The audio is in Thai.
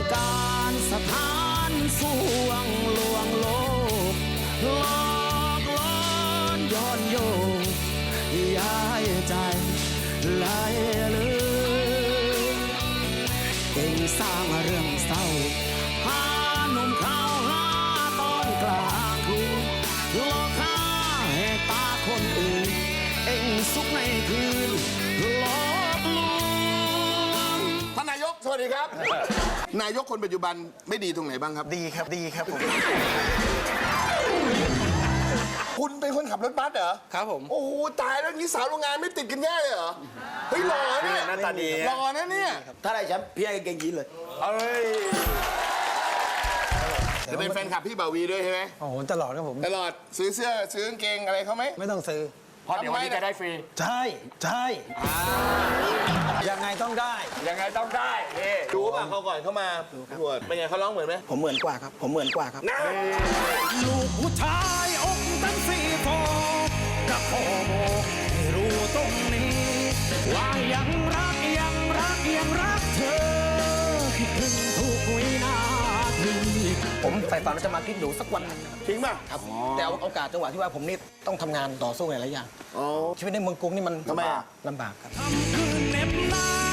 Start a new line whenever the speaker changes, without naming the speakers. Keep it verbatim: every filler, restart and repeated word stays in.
การสถานสวงลวงโลกหลอกล้อนย้อนโยงย้ายใจไหลลืมเองสร้างเรื่องเศร้าพาหนุ่มเขาหาตอนกลางคืนหลอกข้าแหกตาคนอื่นเองสุขในคืนหลอกลวง
ท่านนายกสวัสดีครับ นายกคนปัจจุบันไม่ดีตรงไหนบ้างครับ
ดีครับดีครับผม
คุณเป็นคนขับรถบัสเหรอ
ครับผม
โอ้โหตายแล้วนี้สาวโรงงานไม่ติดกันแย่เลยเหรอเฮ้ยหล่อเนี่ย
หน้าตาดี
หล่อนะเนี่ย
ถ้าได้แชมป์พี่ให้เก่งยีนเลย
เอ้ยจะเป็นแฟนคลับพี่บ่าวีด้วยใช่ไหม
โอ้โหตลอดครับผม
ตลอดซื้อเสื้อซื้อกางเกงอะไรเขาไหม
ไม่ต้องซื้อ
เพราะเดี๋ยววันนี้จะได้ฟรี
ใช่ใช่ยังไงต้องได้
ยังไงต้องได้ดูป่ะเขาก่อนเข้ามาตรวจเป็นไงเขาร้องเหมือนไหม
ผมเหมือนกว่าครับ ผมเหมือนกว่าครับ
นะ
ลูกผู้ชายอกตั้งสี่โฟจะขอบอกให้รู้ตรงนี้ว่ายังรักยังรักยังรักเธอคิดถึงทุกวินาที
ผมใฝ่ฝันว่าจะมากินหนูสักวันหนึงนะครับ
จริงป่ะ
ครับแต่เอาโอกาสจังหวะที่ว่าผมนี่ต้องทำงานต่อสู้หลายๆอย่าง
อ๋อ
ชีวิตในเมืองกรุงนี่มัน
ทำไมอะ
ลำบากครับ
คำคืนเหน็บหนาว